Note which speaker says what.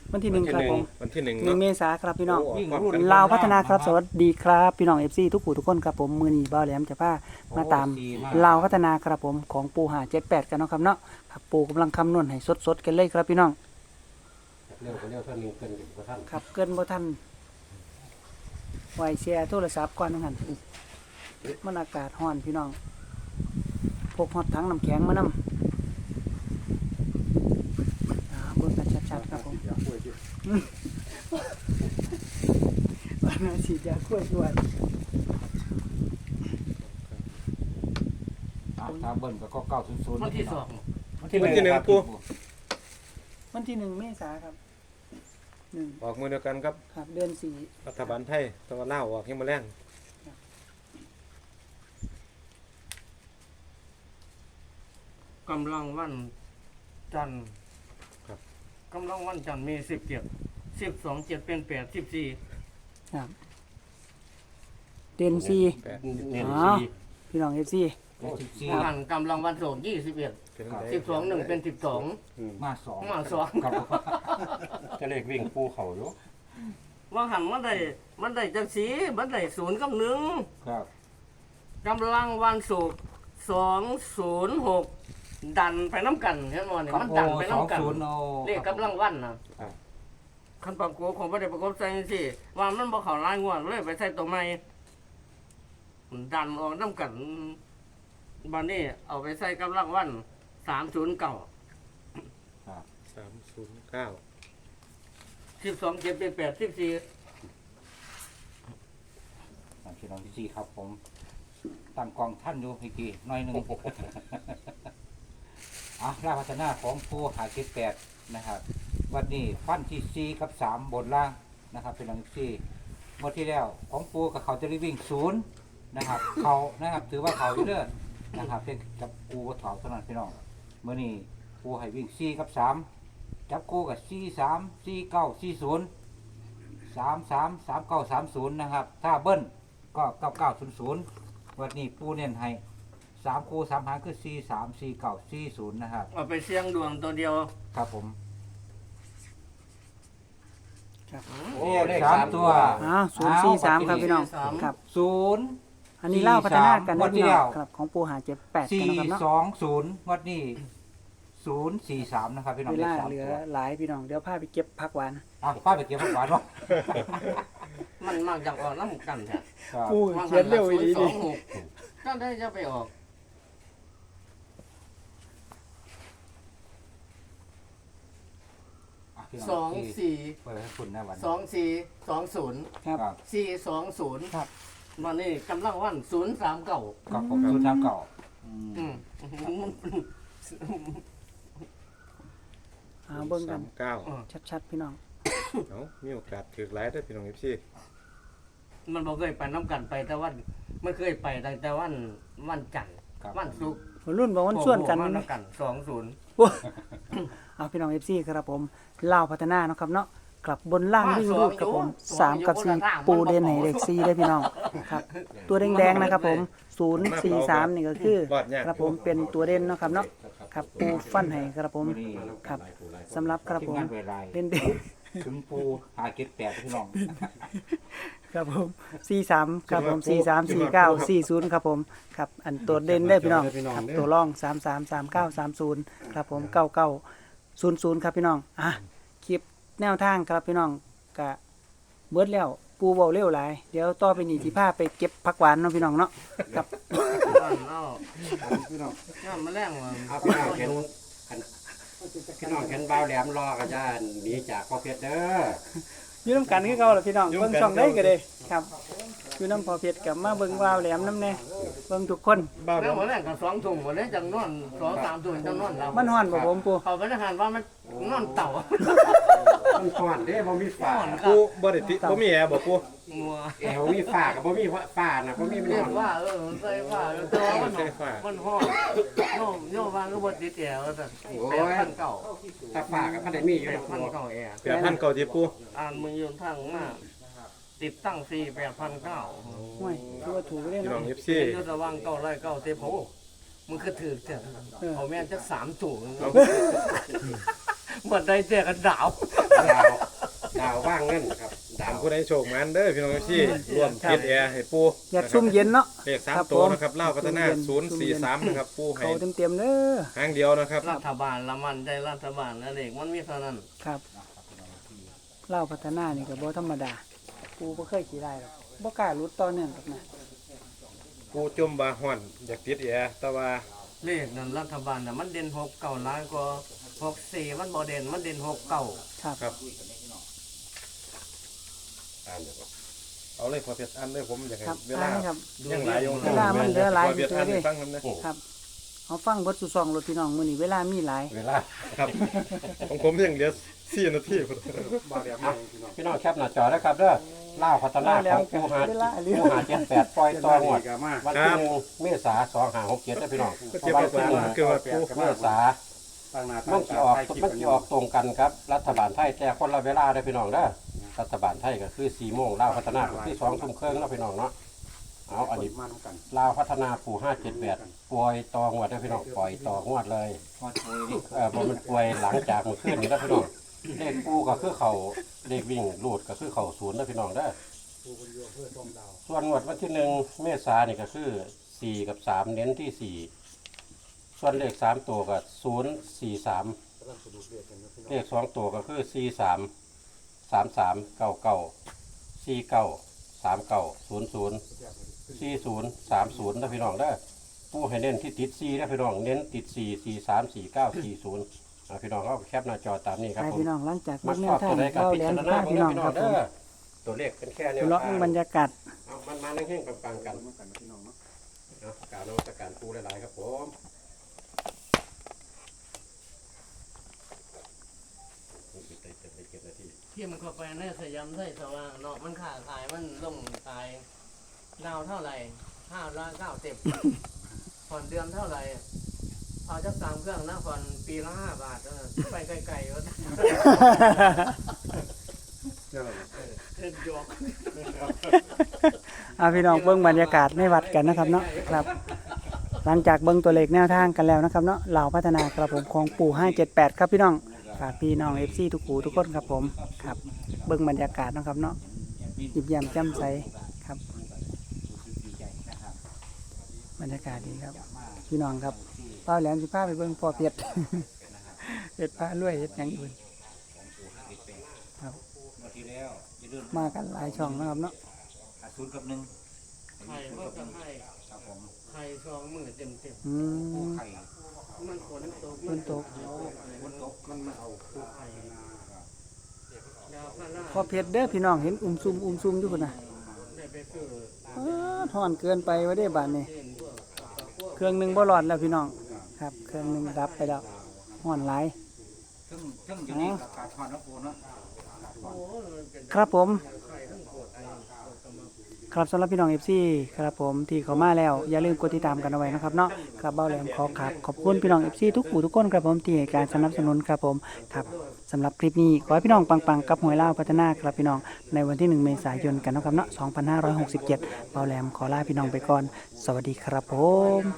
Speaker 1: วันที่1ครับผม
Speaker 2: วันที่1
Speaker 1: 1
Speaker 2: เนาะ
Speaker 1: เมษายนครับพี่น้อง
Speaker 2: โอ้พร้อมกัน
Speaker 1: ลาวพัฒนาครับสวัสดีครับพี่น้อง FC ทุกผู้ทุกคนครับผมมื้อนี้บ่าวแหลมจะพามาตามลาวพัฒนาครับผมของปู578กันเนาะครับเนาะครับปูกำลังคำนวณให้สดๆกันเลยครับพี่น้อง
Speaker 3: เร็วเท่านี้เกินกว่าท่าน
Speaker 1: ครับเกินบ่ทันไว้แชร์โทรศัพท์ก่อนนั่นมันอากาศร้อนพี่น้องพกฮอตถังน้ำแข็งมานำเบิ่งกันชัดๆครับผมวันนี้ฉีดยากล้วยด้วย
Speaker 3: ถ้าเบิ้ลก็900
Speaker 4: วันที่สอง
Speaker 2: วันที่หนึ่งปู
Speaker 1: วันที่1 เมษายนครับ1
Speaker 2: ออกมือเดียวกันครับ
Speaker 1: ครับเดือน
Speaker 2: รัฐบาลไทยตะวันลาวออกยังมาแรง
Speaker 4: กำลังวันจันทร์กำลังวันจันทร์มี12 7เป็น8 14
Speaker 1: ครับเดือน4
Speaker 4: เน้น
Speaker 1: อ๋อ พี่น้อง FC
Speaker 4: 4วันกำลังวันศุกร์21
Speaker 2: เป็นไง
Speaker 4: 12 1เป็น12
Speaker 3: มา2
Speaker 4: มา2
Speaker 3: ครับจะเลขวิ่งปูเขาอยู่
Speaker 4: ว่าหันมันได้จังสีมันได้0กับ1
Speaker 3: ครับ
Speaker 4: กำลังวันศุกร์206ดันไปน้ำกันเห็นบ่นี่มันดันไปน้ำกัน
Speaker 3: 20เอา
Speaker 4: เลขกำลังวันน่ะคันประกบของบ่ได้ประกบใส่จังซี่ว่ามันบ่เข้าลายงวดเลยไปใส่ตัวใหม่ดันออกน้ำกันบัดนี้เอาไปใส่กำลังวัน309
Speaker 2: 309
Speaker 4: 12 7เป็น8 14
Speaker 3: พี่น้องที่4ครับผมตั้งกองท่านอยู่พี่กี้น้อยนึงลาพัฒนาของปู578นะครับวันนี้ฟันที่4กับ3บนล่างนะครับพี่น้องที่เมื่อที่แล้วของปูกับเขาจะได้วิ่ง0นะครับเขานะครับถือว่าเขาอยู่เด้อนะครับเป็นกับปูกับถอดเท่านั้นพี่น้องเมื่อนี้ปูให้วิ่ง4กับ3จับคู่กับ43 49 40 33 39 30นะครับถ้าเบิ้ลก็9900วันนี้ปูเน้นให้3คู่3หางคือ43 49 40นะครับ
Speaker 4: เอาไปเสี่ยงดวงตัวเดียว
Speaker 3: ครับผม
Speaker 4: โอ้
Speaker 3: เลข3ตัว
Speaker 1: 043ครับพี่น้องครับ
Speaker 3: 0
Speaker 1: อันนี้เล่าพัฒนากัน
Speaker 3: วั
Speaker 1: นะ
Speaker 3: น
Speaker 1: พี่
Speaker 3: ที่
Speaker 1: น้
Speaker 3: แล้
Speaker 1: อง
Speaker 3: ว
Speaker 1: ครับของปู578กันนะครับเนาะ
Speaker 3: 420วันนี้043นะครับพี่น้อง
Speaker 1: เว
Speaker 3: เล
Speaker 1: ลา
Speaker 3: ข3
Speaker 1: เหลือ
Speaker 3: ตัว
Speaker 1: หลายพี่น้องเดี๋ยวพาไปเก็บผักหวาน
Speaker 3: ป้าไปเก็บผักหวานเนาะ
Speaker 4: มันมากจากออกน้ำกันแท้
Speaker 3: ครับ
Speaker 1: ปูเขียนเร็วอีหลีดิ
Speaker 4: 026ก็ได้จะไปออก
Speaker 3: พี่น้
Speaker 4: 2
Speaker 3: ที่
Speaker 4: 4
Speaker 3: เปิดให้คุณนะวัน
Speaker 4: 2 4 2 0
Speaker 1: ครับ
Speaker 3: ครับ
Speaker 4: 4 2 0
Speaker 1: ครับ
Speaker 4: วันนี้กำลังวัน039
Speaker 3: กับผมชุดน้ำเก่า
Speaker 4: อืม
Speaker 1: เบิ่งกัน
Speaker 2: 39
Speaker 1: ชัดๆพี่น้อง
Speaker 2: เอ้ามีโอกาสถือหลายเด้อพี่น้อง FC
Speaker 4: มันบ่เคยไปน้ำกันไปแต่วันไม่เคยไปตั้งแต่วันจันทร์
Speaker 3: ครับ
Speaker 4: วันศุกร์
Speaker 1: รุ่นบอกว่าส่วนกัน
Speaker 4: มา
Speaker 1: ไหม
Speaker 4: น้ำกัน20
Speaker 1: เอาพี่น้อง FC ครับผมลาวพัฒนาเนาะครับเนาะกลับบนล่างวิ่งรูดครับผม3กับ4ปูเด่นให้เลข4ได้พี่น้องครับตัวแดงๆนะครับผม043นี่ก็คือครับผมเป็นตัวเด่นเนาะครับเนาะครับปูฟันให้ครับผมครับสำหรับครับผม
Speaker 3: ทีมงานเวลา
Speaker 1: เด่น
Speaker 3: ถึงปู578พี่น้อง
Speaker 1: ๆครับผม43ครับผม43 49 40ครับผมครับอันตัวเด่นได้พี่น้องครับตัวร่อง33 39 30ครับผม99 00ครับพี่น้องคลิปแนวทางครับพี่น้องกะเบิดแล้วปูเว้าเร็วหลายเดี๋ยวต่อไปนี่สิพาไปเก็บผักหวานเนาะพี่น้องเนาะครับ
Speaker 3: พี่น้อง
Speaker 4: ย่ามาแรงว่า
Speaker 3: พี่น้องเห็นพี่น้องเห็นบ่าวแหลมรอก็จะหนีจากพ่อเพชรเด้อ
Speaker 1: อยู่นํกันคือเก่าล่ะพี่น้องเบิ่งช่องได้ก็ได้ครับอยู่นำพอเพชรกับมาเบิ่งวาวแหลมนำแน่เบิ่งทุกคน
Speaker 2: บ้าว
Speaker 4: แล้วมาแรงกัน2 ทุ่มวันนี้จังนอน2 3 ทุ่มจังนอนเรา
Speaker 1: มันฮ้อนบ่ผมปู
Speaker 4: เขาไปทหารว่ามันนอนเต่า
Speaker 3: มันก่อนเด้บ่มีฝา
Speaker 2: ปูบ่ได้ติบ่มีแอร์บ่ปู
Speaker 4: มัว
Speaker 3: แอวมีฝากับบ่มีฝาน่ะบ่มีมัน
Speaker 4: เรีย
Speaker 3: น
Speaker 4: ก
Speaker 3: อน
Speaker 4: ว่าใส่ว่าแต่ว่ามันห้องโยมวางก็บ่ติดแอร์ว่าซั่น8,900
Speaker 3: ถ้าฝากับพันได้มีอยู่ในครัว
Speaker 4: 8,900แอร์
Speaker 2: 8,000เก่าที่ปู
Speaker 4: อ่านมือยืนทางมาติดตั้ง4 8,900
Speaker 1: ห่วยคือว่าถูกได้
Speaker 2: พี่น้อ
Speaker 1: เนาะ
Speaker 2: ง FC
Speaker 4: เดี๋ยวระวัง909เต็มโหมันคือถือเจ้ะเอาแม่นจัก3ถุงหมดได้เจอกันดาว
Speaker 5: ดาวว่างเงินครับดา
Speaker 2: ถาม
Speaker 5: ว
Speaker 2: ผู้ใดโชคมันเด้อพี่น้องที่ร่วมติดแอร์ให้ปู
Speaker 1: อยากซุ่มเย็นเนาะ
Speaker 2: เลข
Speaker 1: ครับ
Speaker 2: 3ตัว
Speaker 1: ผม
Speaker 2: นะครับเล่าวพัฒนา
Speaker 1: ซุ่มเย็น
Speaker 2: 043นะครับปูให้
Speaker 1: เขาเต็มๆเด้อ
Speaker 2: หางเดียวนะครับ
Speaker 4: รัฐบาลละมันใจรัฐบาลและเด็กมันมีเท่านั้น
Speaker 1: ครับเล่าพัฒนานี่ก็บ่ธรรมดากูบ่เคยขี่ได้หรอกบ่กล้ารุดต่อเนื่องกับนะ
Speaker 2: ปูจมบาฮ้อนอยากติดแอร์แต่ว่า
Speaker 4: เลขนั้นรัฐบาลน่ะมันเด่น6 9ล้านกว่า64มันบ่เด่นมันเด่น6 9
Speaker 1: ครับ
Speaker 2: ครับ
Speaker 5: อ่านเดี๋ยวก่อน
Speaker 2: เอาเลยพอเพชรอันเลยผมอยากให้
Speaker 1: ครับ
Speaker 2: เว
Speaker 1: อ่า
Speaker 2: ลาน
Speaker 1: ครับ
Speaker 2: ยังหลายอยู่
Speaker 1: เวลามันเหลือหลาย
Speaker 2: พอเพชรอัน
Speaker 1: อยู่
Speaker 2: ให้
Speaker 1: เด้
Speaker 2: ฟังกันนะครับ
Speaker 1: เอาฟังเบิดสู่ซองรถพี่น้องมื้อนี้เวลามีหลาย
Speaker 5: เวลา
Speaker 2: ครับของผมยังเหลือ4นาทีพุ่น
Speaker 5: พี่น้องแคปหน้าจอได้ครับเด้อล่าวพัฒนาของปูหา78ปล่อยต่อหมดวันที่1เมษายน2567ได้อพี่น้อง
Speaker 2: ก็เจ็บ
Speaker 5: วัน
Speaker 2: กว่า
Speaker 5: ที่
Speaker 2: คือว่าปู
Speaker 5: 1เมษายนมันจะออกตรงกันครับรัฐบาลไทยแต่คนละเวลาได้อพี่น้องเด้อรัฐบาลไทยก็คือ4โมงล่าวพัฒนาก็คือ2 ทุ่มครึ่งเนาะพี่น้องเนาะเอาอันนี้ลาวพัฒนาปู่578ปล่อยต่องวดได้อพี่น้องปล่อยต่องวดเลย
Speaker 3: พอโชยดิ
Speaker 5: บ่มันป่วยหลังจากเมื่อคืนนี้แล้วพี่น้องเลขปูก็คือเขาเลขวิ่งรูดก็คือเขาศูนย์แล้วพี่น้องเด้อส่วนงวดวันที่1เมษายนนี่ก็คือ4กับ3เน้นที่4ส่วนเลข3ตัวก็043เลข2ตัวก็คือ43 33 99 49 39 00 40 30นะพี่น้องเด้อปูให้เน้นที่ติด4นะพี่น้องเน้นติด4 43 49 40พี่น้องก็แคปหน้าจอตามนี้ครับ
Speaker 1: ให้
Speaker 5: ผม
Speaker 1: พี่น้องหลังจาก
Speaker 5: มั
Speaker 1: เบิ่
Speaker 5: ก
Speaker 1: งแน
Speaker 5: ชอ
Speaker 1: ว
Speaker 5: บ
Speaker 1: ทา
Speaker 5: ตั
Speaker 1: ง
Speaker 5: วใดกับ
Speaker 1: เว้า
Speaker 5: พิ
Speaker 1: แหล
Speaker 5: จาร
Speaker 1: ม
Speaker 5: ณา
Speaker 1: พา
Speaker 5: ของ
Speaker 1: พี่
Speaker 5: เรา
Speaker 1: น้อง
Speaker 5: พี่น้
Speaker 1: ค
Speaker 5: อ
Speaker 1: รั
Speaker 5: ง
Speaker 1: บ
Speaker 5: เด้
Speaker 1: ผม
Speaker 5: อตัวเลขเป็นแค่แนว
Speaker 1: เลาะ
Speaker 5: ทาง
Speaker 1: บรรยากาศ
Speaker 5: เอามันนั่งเฮงๆปังๆกันกล่าวนมัสการปูหลายๆครับผมนี่เป็นเต็มๆนาที
Speaker 4: ที่มันเข้าไปในสยามไทยสว่างเนาะมันขาขายมันลงขายดาวเท่าไหร่590ผ่อนเดือนเท่าไหร่เอาจัก3เครื่องนะผ่อนปีละ5 บาทไปไกลๆว่าเล่นจอก
Speaker 1: เอาพี่น้องเบิ่งบรรยากาศในวัดกันนะครับเนาะครับ หลังจากเบิ่งตัวเลขแนวทางกันแล้วนะครับเนาะเหล่าพัฒนากระผมของปู่578ครับพี่น้องฝากพี่น้อง FC ทุกหูทุกคนครับผมครับเบิ่งบรรยากาศนะครับเนาะยิ้มแย้มแจ่มใสครับบรรยากาศดีครับ พี่น้องครับป้าแหลมสิพาไปเบิ่งพ่อเพชร เพชรพารวยเฮ็ดหยังอื่นครับ
Speaker 3: งวดที่แล้วอย่าลืม
Speaker 1: มากันหลายช่องนะครับเนาะ
Speaker 3: 0กับ1
Speaker 4: ไข่ก็จะให้
Speaker 3: ครับผม
Speaker 4: ไข่2 มื้อเต็ม
Speaker 1: อืม
Speaker 3: ไข่
Speaker 4: ๆมันฝนตก
Speaker 1: ฝนตก
Speaker 4: มันตกมันมาเอาไข่ดาวพารา
Speaker 1: พ่อเพชรเด้อพี่น้องเห็นอุ้มซุ่มอยู่พุ่นน่ะ
Speaker 4: ได้ไปซื้อ
Speaker 1: ถอนเกินไปว่าได้บาทนี่
Speaker 4: เส้นพวกพวก
Speaker 1: เครื่องหนึงบ่รอดแล้วพี่น้องครับเครื่องหนึงดับไปแล้วห่อนหลาย
Speaker 3: ซึ่งอยู่นี่กับการทอนนะปูเนาะ
Speaker 4: โอ้มันเป็น
Speaker 1: ครับผม
Speaker 4: ไข่ทั้งปวดไอ้ปวดกำลัง
Speaker 1: ครับสำหรับพี่น้อง FC ครับผมที่เขามาแล้วอย่าลืมกดติดตามกันเอาไว้นะครับเนาะครับเบ้าแหลมขอบคุณพี่น้อง FC ทุกผู้ทุกคนครับผมที่ให้การสนับสนุนครับผมครับสำหรับคลิปนี้ขอให้พี่น้องปังๆกับหวยลาวพัฒนาครับพี่น้องในวันที่1เมษายนกันนะครับเนาะ2567เบ้าแหลมขอลาพี่น้องไปก่อนสวัสดีครับผม